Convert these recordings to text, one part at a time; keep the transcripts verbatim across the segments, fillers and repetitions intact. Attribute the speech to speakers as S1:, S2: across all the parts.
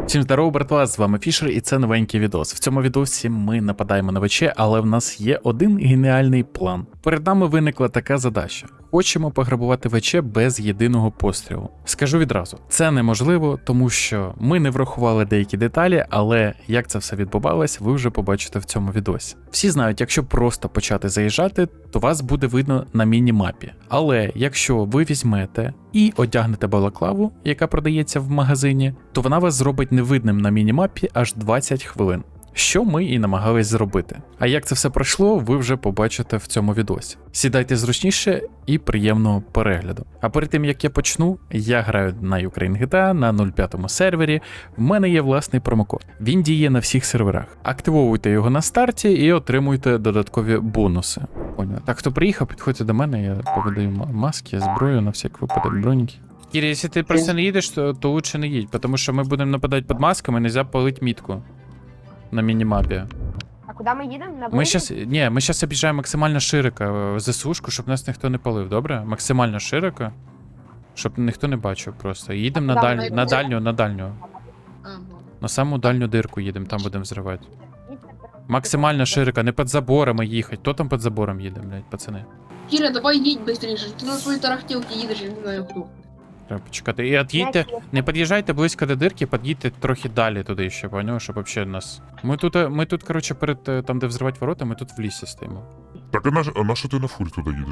S1: Всім здорово, братва, з вами Фішер, і це новенький відос. В цьому відосі ми нападаємо на ВЧ, але в нас є один геніальний план. Перед нами виникла така задача. Хочемо пограбувати ВЧ без єдиного пострілу. Скажу відразу, це неможливо, тому що ми не врахували деякі деталі, але як це все відбувалось, ви вже побачите в цьому відосі. Всі знають, якщо просто почати заїжджати, то вас буде видно на міні-мапі. Але якщо ви візьмете і одягнете балаклаву, яка продається в магазині, то вона вас зробить невидним на міні-мапі аж двадцять хвилин. Що ми і намагались зробити. А як це все пройшло, ви вже побачите в цьому відосі. Сідайте зручніше і приємного перегляду. А перед тим як я почну, я граю на Ukraine джі ті ей на нуль п'ятому сервері. В мене є власний промокод. Він діє на всіх серверах. Активовуйте його на старті і отримуйте додаткові бонуси. Понял. Так, хто приїхав, підходьте до мене, я повидаю маски, зброю на всяк випадок, броніки. Кірі, якщо ти просто не їдеш, то, то лучше не їдь, тому що ми будемо нападати під масками, нельзя палити мітку. На мінімапі.
S2: А куди ми їдемо? На
S1: Ми щас, ні, ми зараз об'їжджаємо максимально широко ЗСУшку, щоб нас ніхто не палив, добре? Максимально широко, щоб ніхто не бачив просто. Їдемо на, даль... на дальню, на дальню.
S3: Ага.
S1: На саму дальню дирку їдемо, там будемо взривати. Максимально широко, не під заборами їхати. Хто там під забором їде, блядь, пацани?
S3: Кіра, давай їдь быстріше, ти на своїй тарахтілці їдеш, я не знаю хто.
S1: Треба почекати. І от'їдьте, не під'їжджайте близько до дирки, під'їдьте трохи далі туди ще, поняв, щоб взагалі нас... Ми тут, ми тут, коротше, перед там, де взривати ворота, ми тут в лісі стоїмо.
S4: Так а на, а на що ти на фурі туди їдеш,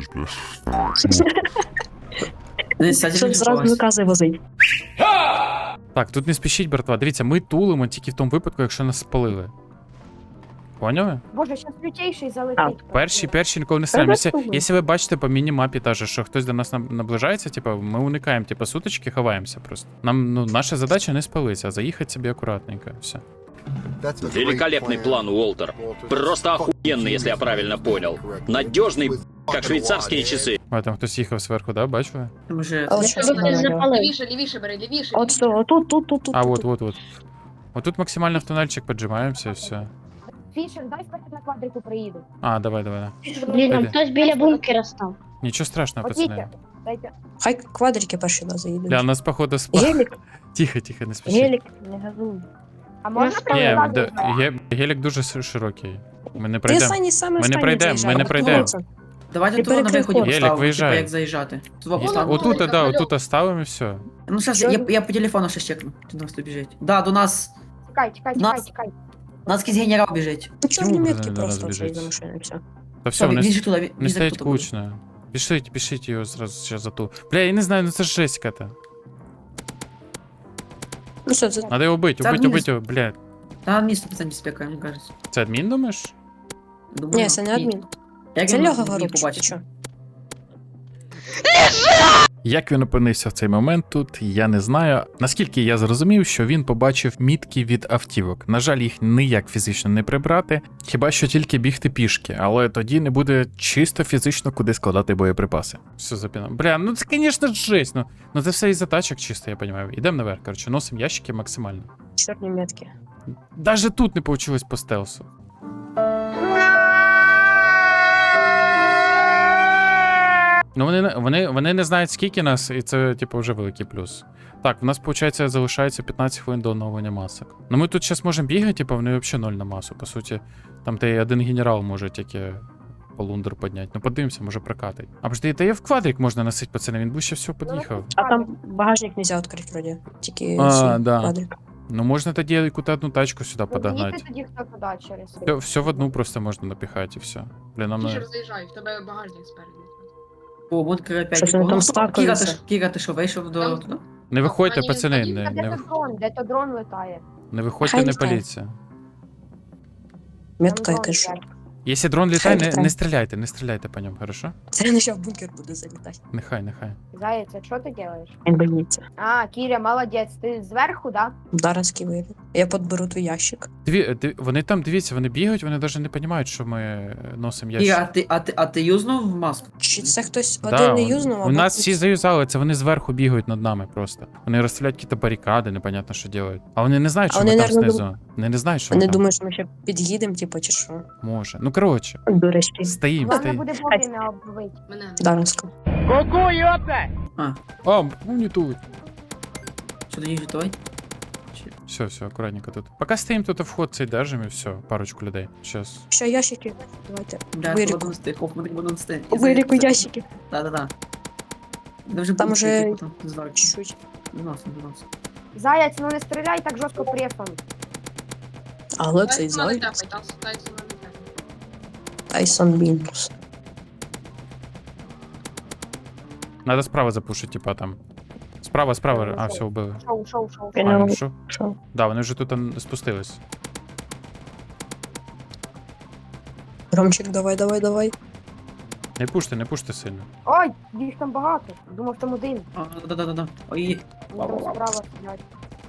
S4: блядь?
S5: Щоб зразу накази возить.
S1: Так, тут не спішіть, братва. Дивіться, ми тулимо тільки в тому випадку, якщо нас спалили. Поняли?
S2: Боже, щас лютейший залетить.
S1: Перші, перші ніколи не стріляємо. Якщо, якщо ви бачите по міні-мапі та же, що хтось до нас наб- наближається, типу, ми уникаємо, типу, сутички, ховаємося просто. Нам, ну, наша задача не спалитися, а заїхати собі акуратненько, все.
S6: Великолепный план, Уолтер. Просто охуенный, если я правильно понял. Надежный, как швейцарские часы.
S1: А там хтось їхав зверху, да, бачили?
S5: Може,
S2: Але
S5: це
S2: що
S5: що
S2: ви
S5: не
S2: запалили?
S3: Лівіше, лівіше бери, лівіше.
S5: От що, тут, тут, тут, тут.
S1: А,
S5: тут,
S1: от,
S5: тут.
S1: от, от. Отут максимально в тунельчик поджимаємося і все.
S2: Фішер, дай вперед на квадрику приїду.
S1: А, давай, давай.
S2: Блін,
S1: Пойди.
S2: хтось біля бункера став.
S1: Нічого страшного,
S2: От їдьте,
S1: пацани.
S2: дайте.
S5: Хай квадрики перші нас заїдуть.
S1: Бля, нас походу спа...
S5: Гелік,
S1: Тихо, тихо, не спішіть.
S5: гелік, не газуй.
S2: А можна
S1: Ні,
S2: провела?
S1: де- ге- гелік дуже с- широкий. Ми не
S5: Ти
S1: пройдемо.
S5: останній саме
S1: Ми не
S5: останній
S1: пройдемо, ми
S5: заїжджай.
S1: не пройдемо.
S5: От
S7: Давайте
S5: Ти
S7: тут на
S5: перекрив
S7: виході
S5: ход.
S1: Гелік,
S7: поставимо,
S1: виїжджай.
S7: типа, як заїжджати. Тут
S3: Вон,
S7: поставимо.
S3: вон.
S1: Отут, да,
S3: Алло.
S1: отут оставимо і все.
S7: Ну, зараз, я, я по телефону ще чекну. Чи до нас тут біжить. Да, до нас,
S2: Тікай, тікай,
S7: Нас-
S2: тікай, тікай.
S7: до нас якийсь генерал біжить.
S5: Ну, чорні
S1: Чому
S5: метки
S1: ви до нас
S5: просто
S1: біжите?
S5: цей за машиною, все.
S1: Та все,
S7: Все,
S1: не,
S7: він же туди, він
S1: не
S7: же
S1: стоїть
S7: тут буде.
S1: кучно. Пишіть, пишіть його зразу ще за ту. Бля, я не знаю, ну це ж жесть какая-то.
S5: Ну все, це
S1: Надо його бити,
S7: Це
S1: убить,
S7: адмін-
S1: убить його, блядь.
S7: Та адмін сто відсотків спекає, мені кажеться.
S1: Це адмін, думаєш?
S7: Думаю,
S5: Ні, це не адмін.
S7: Як
S5: Це
S7: він
S5: Льога
S7: мені
S5: Горобчик, ти
S7: побачить?
S5: чо?
S1: Як він опинився в цей момент тут, я не знаю. Наскільки я зрозумів, що він побачив мітки від автівок. На жаль, їх ніяк фізично не прибрати, хіба що тільки бігти пішки, але тоді не буде чисто фізично куди складати боєприпаси. Все запінав. Бля, ну це, звісно, жесть. Ну, ну це все із-за тачок чисто, я розумію. Ідемо наверх, коротше, носимо ящики максимально.
S5: Чорні метки.
S1: Даже тут не вийшло по стелсу. Ну, вони, не- вони, вони не знають, скільки нас, і це, типу, вже великий плюс. Так, в нас, виходить, залишається п'ятнадцять хвилин до оновлення масок. Ну, ми тут зараз можемо бігати, типу, вони взагалі ноль на масу. По суті, там той один генерал може тільки полундер підняти. Ну, подивимося, може прокатить. А подожди, та є в квадрик можна носити, пацани, він ближче всього під'їхав.
S5: А там багажник нельзя відкрити, вроді. Тільки
S1: А,
S5: цей
S1: да.
S5: квадрик.
S1: Ну, можна тоді якусь одну тачку сюди подогнати.
S2: Їдьте тоді хто туди через.
S1: Все, все в одну просто можна напіхати і все. Блін, нам
S3: Фішер
S1: не...
S3: заїжджай, в тебе багажник спереду.
S7: О, бункер опять.
S5: Щось вони
S7: О,
S5: там
S7: ну, Кіра, ти
S5: стакаються.
S7: ж- Кіра, ти що, вийшов до...
S3: Там-
S7: туди?
S1: Не виходьте,
S3: Ані-
S1: пацани,
S3: ані-
S1: не,
S2: Та
S1: не,
S2: де
S1: вих...
S2: то дрон, де то дрон летає.
S1: не виходьте,
S5: Хай
S1: не
S5: літає.
S1: паліться.
S5: Метка
S2: Там
S5: якась.
S2: дрон летає.
S1: Якщо дрон літає, не,
S5: літає.
S1: не стріляйте, не стріляйте по ньому, хорошо?
S5: Це не ще в бункер буде залітати.
S1: Нехай, нехай.
S2: Заяць, а що ти робиш?
S5: Він боїться.
S2: А, Кіря, молодець, ти зверху, да?
S5: Зараз вийде. Я підберу твій ящик.
S1: Дві, диві- вони там, дивіться, вони бігають, вони навіть не розуміють, що ми носимо
S7: Кіра, а
S1: ящик.
S7: ти, а ти, а ти юзнув маску?
S5: Чи це хтось
S1: Да,
S5: один не
S1: у-
S5: юзнув, а
S1: у нас
S5: бо-
S1: всі заюзали, це вони зверху бігають над нами просто. Вони розстріляють якісь барикади, непонятно, що роблять. А вони не знають,
S5: А
S1: що
S5: вони,
S1: ми там
S5: наверно,
S1: знизу. Вони не знають, що
S5: Вони
S1: ми там.
S5: думають, що ми ще під'їдемо, типу, чи що.
S1: Може. Ну, коротше,
S5: До речі,
S1: стоїм,
S2: Головне
S1: стоїм.
S2: буде вовремя оббити.
S3: Мене.
S5: Даринська.
S7: А,
S1: А, ну не тут.
S7: що тоді готовий?
S1: Все, все, аккуратненько тут. Пока стоим тут, вход цей держим и все, парочку людей. Сейчас.
S5: Ще ящики. Давайте.
S7: Бля,
S5: Виліку.
S7: буду нести, хоп, буду нести.
S5: Виліку ящики.
S7: Да-да-да. Да вже
S5: Там
S7: буду
S5: уже
S7: нести, потім зверху.
S5: Чуть-чуть.
S7: Виносим, виносим.
S2: Заяць, ну не стріляй так жорстко префом.
S5: Але цей
S3: Тайсона не
S5: зай.
S3: тепай, Тайс- Тайсона не тепай.
S5: Тайсон Мінус.
S1: Надо справа запушить, типа там. Справа, справа. А, все, убили.
S2: Шоу, шоу, шоу.
S1: А,
S5: Він
S1: він що?
S5: Що?
S1: Да, вони вже тут а, спустились.
S5: Ромчик, давай, давай, давай.
S1: Не пуште, не пуште сильно.
S2: Ой, їх там багато. Думав, там один.
S7: А, да-да-да-да. Ой,
S2: Вони там справа сидять.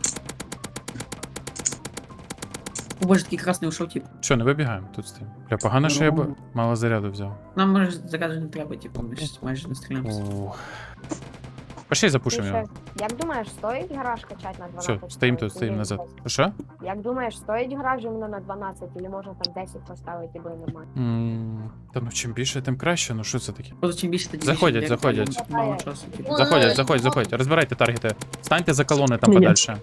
S7: о боже, такий красний ушов, тип.
S1: Що, не вибігаємо, тут стоїмо. Бля, погано, що я б... мало заряду взяв.
S7: Нам може заказу не треба, типу, ми ж майже не стріляємося.
S1: Ух. Пошли запушимо
S2: Ти
S1: його.
S2: ще- Як думаєш, стоїть гараж качати на дванадцять?
S1: Все, стоїм тут,
S2: Чи
S1: стоїм
S2: ні?
S1: назад. Що?
S2: Як думаєш, стоїть гараж іменно на дванадцять, или можна там десять поставити, бо нормально?
S1: М, Та ну чим більше, тим краще, ну що це таке?
S7: Просто чим більше тоді
S1: Заходять,
S7: більше,
S1: заходять.
S7: як мало часу, типу.
S3: Ой,
S1: Заходять,
S3: ой,
S1: заходять,
S3: ой.
S1: заходять. Розбирайте таргети. Станьте за колони там
S5: Ні.
S1: подальше.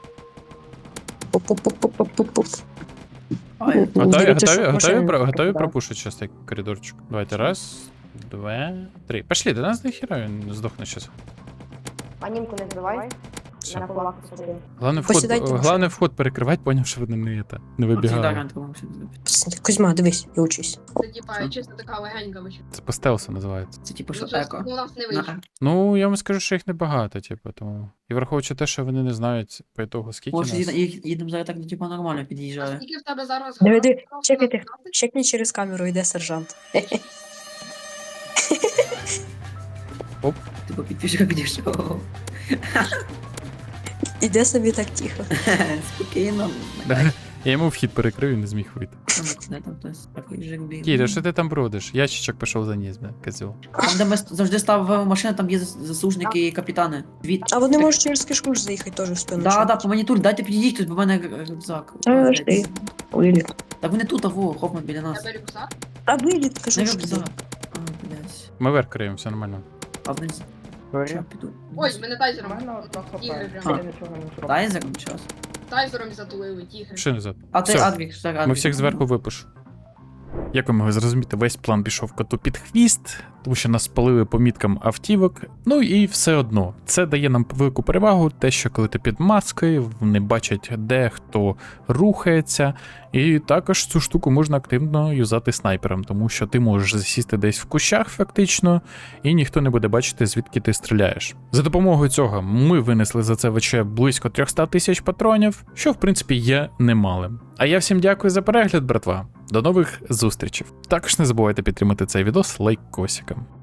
S5: Пуп-пуп-пуп-пуп-пуп.
S7: Ой,
S1: Готові,
S5: Дивіться,
S1: готові,
S5: щоб
S1: готові,
S5: машини
S1: про-
S5: не
S1: готові
S5: попадали.
S1: пропушити щас цей коридорчик? Давайте, раз, два, три. Пошли, до нас дохера, він здохне щас.
S2: Панінку не збивай.
S1: Все.
S2: На кулак посади.
S1: Главне вход,
S5: Посідайте в
S1: главне вход перекривати, поняв, що вони не, це, не
S7: Вибігали.
S1: вибігають.
S5: Кузьма, дивись і учись.
S3: Це типа чисто така легенька вичі.
S1: Це по стелсу називається.
S7: Це типу,
S3: Ну,
S7: що
S3: щось
S7: еко.
S3: у нас не
S7: На
S3: вийшло.
S1: Ну, я вам скажу, що їх небагато, типу, тому. І враховуючи те, що вони не знають по ітогу, скільки
S7: Може,
S1: нас.
S7: їд- їх- їдемо зараз так, ну, типу, нормально
S3: А
S7: під'їжджає.
S3: скільки в тебе зараз
S5: Диви,
S3: гараж?
S5: диви,
S3: Просто
S5: чекайте.
S3: двадцять?
S5: Чекні через камеру, йде сержант.
S7: Типу, підпишка підійшов.
S5: Іде собі так тихо.
S7: Спокійно.
S1: Я йому вхід перекрив і не зміг вийти.
S7: Там, де там хтось такий жик біг.
S1: Кіра, що ти там бродиш? Ящичок пішов за ніс, бля, козьол.
S7: Там, де ми завжди став машина, там є зас- заслужники і капітани. Дві...
S5: А вони можуть через кишку ж заїхати теж в спину.
S7: Да,
S5: що?
S7: да, по мені тут, дайте підійдіть, тут, бо в мене рюкзак.
S5: Та жди. Виліт.
S7: Так вони тут, аво, Хофман біля
S3: У
S7: нас.
S3: тебе рюкзак?
S5: А виліт, кажу,
S7: Не
S5: що
S7: рюкзак.
S5: ти.
S7: А, блядь.
S1: Ми верх криємо, все нормально.
S7: А вниз. Що, піду?
S3: Ой, мене тайзером. Ігри
S7: А.
S3: прям.
S7: Тайзером час.
S3: Тайзером затулили, тігри.
S1: Ще назад.
S7: А ти
S1: Всё.
S7: Адвік, що так, Адвік.
S1: Ми всіх зверху випушу. Як ви могли зрозуміти, весь план пішов коту під хвіст, тому що нас спалили по міткам автівок. Ну і все одно, це дає нам велику перевагу, те, що коли ти під маскою, вони бачать, де хто рухається. І також цю штуку можна активно юзати снайпером, тому що ти можеш засісти десь в кущах фактично, і ніхто не буде бачити, звідки ти стріляєш. За допомогою цього ми винесли за це ВЧ близько триста тисяч патронів, що в принципі є немалим. А я всім дякую за перегляд, братва. До нових зустрічей. Також не забувайте підтримати цей відос лайкосиком.